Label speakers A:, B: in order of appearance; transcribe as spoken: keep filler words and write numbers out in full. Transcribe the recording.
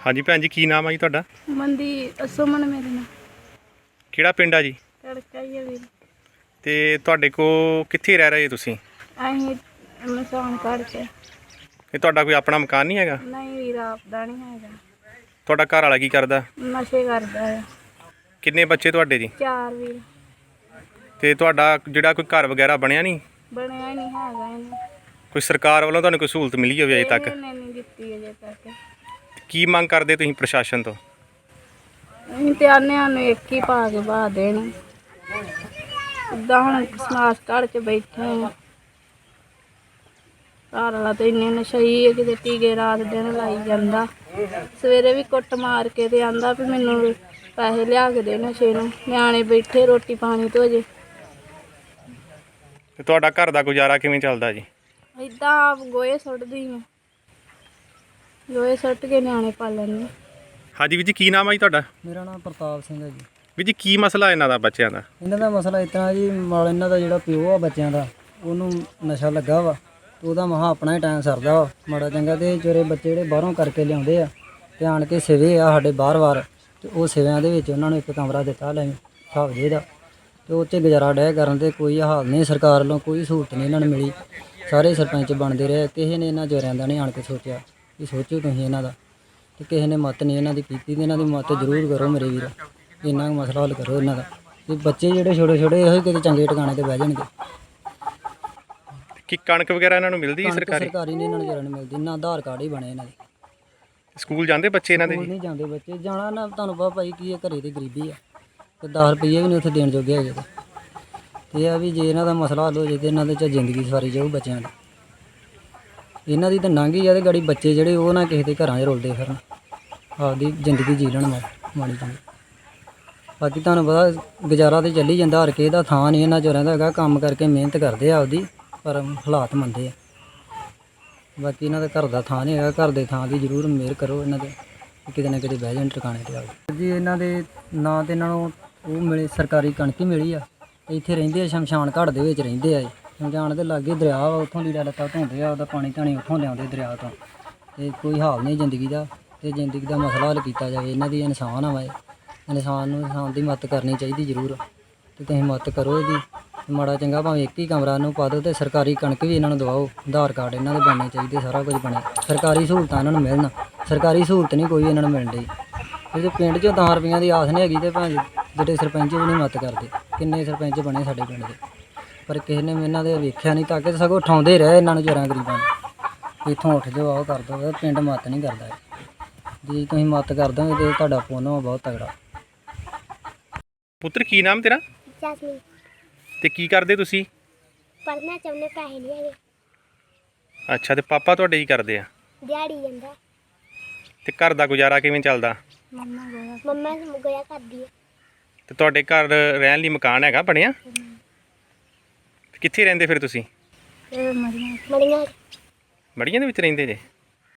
A: ਹਾਂਜੀ ਭੈਣ ਜੀ, ਕੀ ਨਾਮ ਆ ਜੀ ਤੁਹਾਡਾ?
B: ਮੰਦੀ ਸੁਮਨ ਮੇਰੇ ਨਾਲ।
A: ਕਿਹੜਾ ਪਿੰਡ ਆ ਜੀ?
B: ਤੜਕਾ ਹੀ ਆ ਵੀਰ।
A: ਤੇ ਤੁਹਾਡੇ ਕੋ ਕਿੱਥੇ ਰਹਿ ਰਹੇ ਜੀ ਤੁਸੀਂ?
B: ਅਸੀਂ ਮਸਾਨ ਘਰ ਚ।
A: ਇਹ ਤੁਹਾਡਾ ਕੋਈ ਆਪਣਾ ਮਕਾਨ ਨਹੀਂ ਹੈਗਾ?
B: ਨਹੀਂ ਵੀਰ, ਆਪਦਾ ਨਹੀਂ ਹੈਗਾ।
A: ਤੁਹਾਡਾ ਘਰ ਵਾਲਾ ਕੀ ਕਰਦਾ?
B: ਨਸ਼ੇ ਕਰਦਾ ਆ।
A: ਕਿੰਨੇ ਬੱਚੇ ਤੁਹਾਡੇ ਜੀ?
B: ਚਾਰ ਵੀਰ।
A: ਤੇ ਤੁਹਾਡਾ ਜਿਹੜਾ ਕੋਈ ਘਰ ਵਗੈਰਾ ਬਣਿਆ ਨਹੀਂ?
B: ਬਣਿਆ ਹੀ ਨਹੀਂ ਹੈਗਾ ਇਹਨੂੰ।
A: ਕੋਈ ਸਰਕਾਰ ਵੱਲੋਂ ਤੁਹਾਨੂੰ ਕੋਈ ਸਹੂਲਤ ਮਿਲੀ ਹੋਵੇ ਅਜੇ ਤੱਕ?
B: ਇਹਨੇ ਨਹੀਂ ਦਿੱਤੀ ਅਜੇ ਤੱਕ।
A: ਕੀ ਮੰਗ ਕਰਦੇ ਤੁਸੀਂ ਪ੍ਰਸ਼ਾਸਨ ਤੋਂ?
B: ਅਸੀਂ ਤੇ ਆਨੇ ਨੂੰ ਇੱਕ ਹੀ ਪਾ ਕੇ ਬਾਹ ਦੇਣ। ਇੱਦਾਂ ਹੁਣ ਸਮਾਜ ਘਰ ਚ ਬੈਠੇ ਆ। ਘਰ ਵਾਲਾ ਤਾਂ ਇੰਨੇ ਨਸ਼ਈ ਹੈ, ਕਿਤੇ ਟੀਕੇ ਰਾਤ ਦਿਨ ਲਾਈ ਜਾਂਦਾ। ਸਵੇਰੇ ਵੀ ਕੁੱਟ ਮਾਰ ਕੇ ਤੇ ਆਂਦਾ ਵੀ ਮੈਨੂੰ ਪੈਸੇ ਲਿਆ ਕੇ ਦੇ ਨਸ਼ੇ ਨੂੰ। ਨਿਆਣੇ ਬੈਠੇ ਰੋਟੀ ਪਾਣੀ ਤੋਂ ਜੇ।
A: ਤੇ ਤੁਹਾਡਾ ਘਰ ਦਾ ਗੁਜ਼ਾਰਾ ਕਿਵੇਂ ਚੱਲਦਾ ਜੀ?
B: ਇੱਦਾਂ ਆਪ ਗੋਹੇ ਸੁੱਟਦੀ ਆ। ਗੋਹੇ ਸੁੱਟ ਕੇ ਨਿਆਣੇ ਪਾਲਣ।
A: ਹਾਂਜੀ ਵੀਰ ਜੀ, ਕੀ ਨਾਮ ਆ ਜੀ ਤੁਹਾਡਾ?
C: ਮੇਰਾ ਨਾਮ ਪ੍ਰਤਾਪ ਸਿੰਘ ਹੈ ਜੀ।
A: ਵੀਰ ਜੀ, ਕੀ ਮਸਲਾ ਇਹਨਾਂ ਦਾ ਬੱਚਿਆਂ ਦਾ?
C: ਇਹਨਾਂ ਦਾ ਮਸਲਾ ਇਸ ਤਰ੍ਹਾਂ ਜੀ, ਨਾਲ ਇਹਨਾਂ ਦਾ ਜਿਹੜਾ ਪਿਓ ਆ ਬੱਚਿਆਂ ਦਾ, ਉਹਨੂੰ ਨਸ਼ਾ ਲੱਗਾ ਵਾ ਤੇ ਉਹਦਾ ਮਹਾ ਆਪਣਾ ਹੀ ਟਾਈਮ ਸਰਦਾ ਵਾ ਮਾੜਾ ਚੰਗਾ। ਤੇ ਜਿਹੜੇ ਬੱਚੇ ਜਿਹੜੇ ਬਾਹਰੋਂ ਕਰਕੇ ਲਿਆਉਂਦੇ ਆ ਤੇ ਆਣ ਕੇ ਸਿਵੇ ਆ ਸਾਡੇ ਬਾਰ-ਬਾਰ, ਤੇ ਉਹ ਸਿਵਿਆਂ ਦੇ ਵਿੱਚ ਉਹਨਾਂ ਨੂੰ ਇੱਕ ਕਮਰਾ ਦਿੱਤਾ ਲੈ ਹਿਸਾਬ ਜੇ ਦਾ, ਤੇ ਉਹ 'ਚ ਗੁਜ਼ਾਰਾ ਡਹਿ ਕਰਨ। ਤੇ ਕੋਈ ਹਾਲ ਨਹੀਂ, ਸਰਕਾਰ ਵੱਲੋਂ ਕੋਈ ਸਹੂਲਤ ਨਹੀਂ ਇਹਨਾਂ ਨੂੰ ਮਿਲੀ। ਸਾਰੇ ਸਰਪੰਚ ਬਣਦੇ ਰਹੇ, ਕਿਸੇ ਨੇ ਇਹਨਾਂ ਜੋਰਿਆਂ ਦਾ ਨਹੀਂ ਆਣ ਕੇ ਸੋਚਿਆ ਵੀ ਸੋਚੋ ਤੁਸੀਂ ਇਹਨਾਂ ਦਾ। ਤੇ ਕਿਸੇ ਨੇ ਮਤ ਨਹੀਂ ਇਹਨਾਂ ਦੀ ਕੀਤੀ। ਤੇ ਇਹਨਾਂ ਦੀ ਮਤ ਜ਼ਰੂਰ ਕਰੋ ਮੇਰੇ ਵੀਰ, ਇੰਨਾ ਮਸਲਾ ਹੱਲ ਕਰੋ ਇਹਨਾਂ ਦਾ। ਤੇ ਬੱਚੇ ਜਿਹੜੇ ਛੋਟੇ ਛੋਟੇ ਇਹੋ ਕਿਤੇ ਚੰਗੇ ਟਿਕਾਣੇ ਤੇ ਬਹਿ ਜਾਣਗੇ।
A: ਕੀ ਕਣਕ ਵਗੈਰਾ ਇਹਨਾਂ ਨੂੰ ਮਿਲਦੀ ਹੈ
C: ਕਣਕ
A: ਸਰਕਾਰੀ?
C: ਸਰਕਾਰੀ ਨਹੀਂ ਇਹਨਾਂ ਨੂੰ ਜਰਾ ਨਹੀਂ ਮਿਲਦੀ। ਨਾ ਆਧਾਰ ਕਾਰਡ ਹੀ ਬਣੇ ਇਹਨਾਂ ਦੇ।
A: ਸਕੂਲ ਜਾਂਦੇ ਬੱਚੇ ਇਹਨਾਂ ਦੇ
C: ਸਕੂਲ
A: ਜੀ?
C: ਨਹੀਂ ਜਾਂਦੇ ਬੱਚੇ। ਜਾਣਾ ਨਾ ਤੁਹਾਨੂੰ ਪਤਾ ਭਾਈ ਕੀ ਹੈ, ਘਰੇ ਦੀ ਗਰੀਬੀ ਆ ਤੇ ਦਸ ਰੁਪਈਏ ਵੀ ਨਹੀਂ ਉੱਥੇ ਦੇਣ ਜੋਗੇ ਹੈਗੇ। ਤੇ ਇਹ ਆ ਵੀ ਜੇ ਇਹਨਾਂ ਦਾ ਮਸਲਾ ਹੱਲ ਹੋ ਜੇ ਤੇ ਇਹਨਾਂ ਦੇ ਚ ਜ਼ਿੰਦਗੀ ਸਵਾਰੀ ਜਾਊ ਬੱਚਿਆਂ ਦੀ। ਇਹਨਾਂ ਦੀ ਤਾਂ ਲੰਘ ਹੀ ਆ ਤੇ ਗਾੜੀ ਬੱਚੇ ਜਿਹੜੇ ਉਹ ਨਾ ਕਿਸੇ ਦੇ ਘਰਾਂ 'ਚ ਰੁਲਦੇ ਫਿਰਨ, ਆਪਦੀ ਜ਼ਿੰਦਗੀ ਜੀ ਲੈਣ ਮਾੜੀ ਚੰਗੀ। ਬਾਕੀ ਤੁਹਾਨੂੰ ਪਤਾ ਗੁਜ਼ਾਰਾ ਤੇ ਚੱਲੀ ਜਾਂਦਾ, ਹਰ ਕਿਸੇ ਦਾ ਥਾਂ ਨਹੀਂ ਇਹਨਾਂ ਚੋਰਾਂ ਦਾ ਹੈਗਾ। ਕੰਮ ਕਰਕੇ ਮਿਹਨਤ ਕਰਦੇ ਆ ਆਪਦੀ, ਪਰ ਹਾਲਾਤ ਮੰਦੇ ਆ। ਬਾਕੀ ਇਹਨਾਂ ਦਾ ਘਰ ਦਾ ਥਾਂ ਨਹੀਂ ਹੈਗਾ। ਘਰ ਦੇ ਥਾਂ ਦੀ ਜ਼ਰੂਰ ਮਿਹਰ ਕਰੋ ਇਹਨਾਂ ਦੇ, ਕਿਤੇ ਨਾ ਕਿਤੇ ਬਹਿ ਜਾਣ ਟਿਕਾਣੇ ਤੇ ਆਓ ਜੀ। ਇਹਨਾਂ ਦੇ ਨਾਂ ਤੇ ਇਹਨਾਂ ਨੂੰ ਉਹ ਮਿਲੇ, ਸਰਕਾਰੀ ਕਣਕ ਹੀ ਮਿਲੀ ਆ। ਇੱਥੇ ਰਹਿੰਦੇ ਆ, ਸ਼ਮਸ਼ਾਨ ਘਾਟ ਦੇ ਵਿੱਚ ਰਹਿੰਦੇ ਆ। ਸ਼ਮਸ਼ਾਨ ਦੇ ਲਾਗੇ ਦਰਿਆ ਵਾ, ਉੱਥੋਂ ਲੀੜਾ ਲੱਤਾ ਧੋਂਦੇ ਆ, ਉਹਦਾ ਪਾਣੀ ਧਾਣੀ ਉੱਥੋਂ ਲਿਆਉਂਦੇ ਦਰਿਆ ਤੋਂ। ਤੇ ਕੋਈ ਹਾਲ ਨਹੀਂ ਜ਼ਿੰਦਗੀ ਦਾ, ਤੇ ਜ਼ਿੰਦਗੀ ਦਾ ਮਸਲਾ ਹੱਲ ਕੀਤਾ ਜਾਵੇ। ਇਹਨਾਂ ਦੀ ਇਨਸਾਨ ਆ ਵਾ, ਇਨਸਾਨ ਨੂੰ ਇਨਸਾਨ ਦੀ ਮਦਦ ਕਰਨੀ ਚਾਹੀਦੀ ਜ਼ਰੂਰ। ਤੇ ਤੁਸੀਂ ਮਦਦ ਕਰੋ ਇਹਦੀ। ਮਾੜਾ ਚੰਗਾ ਭਾਵੇਂ ਇੱਕ ਹੀ ਕਮਰਾ ਨੂੰ ਪਾ ਦਿਓ, ਤੇ ਸਰਕਾਰੀ ਕਣਕ ਵੀ ਇਹਨਾਂ ਨੂੰ ਦਵਾਓ। ਆਧਾਰ ਕਾਰਡ ਇਹਨਾਂ ਦੇ ਬਣਨੇ ਚਾਹੀਦੇ, ਸਾਰਾ ਕੁਝ ਬਣੇ, ਸਰਕਾਰੀ ਸਹੂਲਤਾਂ ਇਹਨਾਂ ਨੂੰ ਮਿਲਣ। ਸਰਕਾਰੀ ਸਹੂਲਤ ਨਹੀਂ ਕੋਈ ਇਹਨਾਂ ਨੂੰ ਮਿਲਣ ਡਈ। ਜੇ ਪਿੰਡ 'ਚੋਂ ਦਸ ਰੁਪਈਆਂ ਦੀ ਆਸ ਨਹੀਂ ਹੈਗੀ ਤੇ ਭਾਵੇਂ ਜਿਹੜੇ ਸਰਪੰਚ ਵੀ ਨਹੀਂ ਮਦਦ ਕਰਦੇ। ਕਿੰਨੇ ਸਰਪੰਚ ਬਣੇ ਸਾਡੇ ਪਿੰਡ ਦੇ, ਪਰ ਕਿਸੇ ਨੇ ਇਹਨਾਂ ਦੇ ਵੇਖਿਆ ਨਹੀਂ, ਤਾਂ ਕਿ ਸਗੋਂ ਉਠਾਉਂਦੇ ਰਹੇ ਇਹਨਾਂ ਨੂੰ ਚੋਰਾਂ ਗਰੀਬਾਂ ਨੂੰ। ਇੱਥੋਂ ਉੱਠ ਜਾਓ, ਆਓ ਕਰ ਦਿਓ। ਪਿੰਡ ਮਦਦ ਨਹੀਂ ਕਰਦਾ। ਜੇ ਤੁਸੀਂ ਮਦਦ ਕਰ ਦੋਗੇ ਤੇ ਤੁਹਾਡਾ ਪੁੰਨ ਬਹੁਤ ਤਗੜਾ।
A: ਪੁੱਤਰ, ਕੀ ਨਾਮ ਤੇਰਾ?
D: ਜੈਸਮੀਨ।
A: ਤੇ ਕੀ ਕਰਦੇ ਤੁਸੀਂ?
D: ਪੜ੍ਹਨਾ ਚਾਹੁੰਦੇ, ਪੈਸੇ ਨਹੀਂ ਹੈਗੇ।
A: ਅੱਛਾ, ਤੇ ਪਾਪਾ ਤੁਹਾਡੇ ਕੀ ਕਰਦੇ ਆ?
D: ਦਿਹਾੜੀ ਜਾਂਦਾ।
A: ਤੇ ਘਰ ਦਾ ਗੁਜ਼ਾਰਾ ਕਿਵੇਂ ਚੱਲਦਾ?
B: ਮੰਮਾ ਗੋਹਾ।
D: ਮੰਮਾ ਗੋਇਆ ਕਰਦੀ ਹੈ।
A: ਤੇ ਤੁਹਾਡੇ ਘਰ ਰਹਿਣ ਲਈ ਮਕਾਨ ਹੈਗਾ ਬਣਿਆ? ਕਿੱਥੇ ਰਹਿੰਦੇ ਫਿਰ ਤੁਸੀਂ?
B: ਇਹ ਮਰੀਆਂ।
D: ਮੜੀਆਂ।
A: ਮੜੀਆਂ ਦੇ ਵਿੱਚ ਰਹਿੰਦੇ ਜੇ?